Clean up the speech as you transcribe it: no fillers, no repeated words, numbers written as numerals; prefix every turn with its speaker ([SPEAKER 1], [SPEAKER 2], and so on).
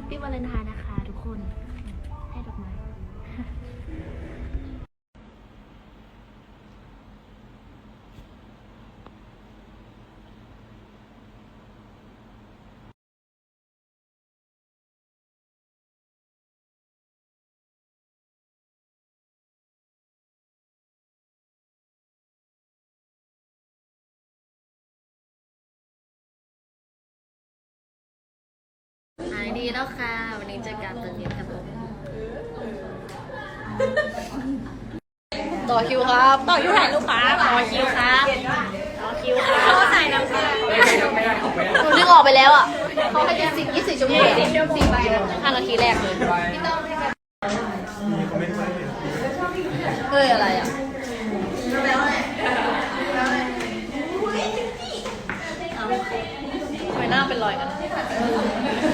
[SPEAKER 1] ปี้วาเลนไทน์นะคะทุกคนให้ดอกไม้หายดีแล้วค่ะวันนี้เจอกันตอนเย็นครับผมต่อคิวครับต่อคิวถ่ายรูปครับต่อคิวครับต่อคิวครับเขาใส่น้ำตาหนูดึงออกไปแล้วอ่ะเขาให้จะ24 ชั่วโมง4 ใบ5 นาทีแรกเลยเฮ้ยอะไรอ่ะทำไมหน้าเป็นรอยกัน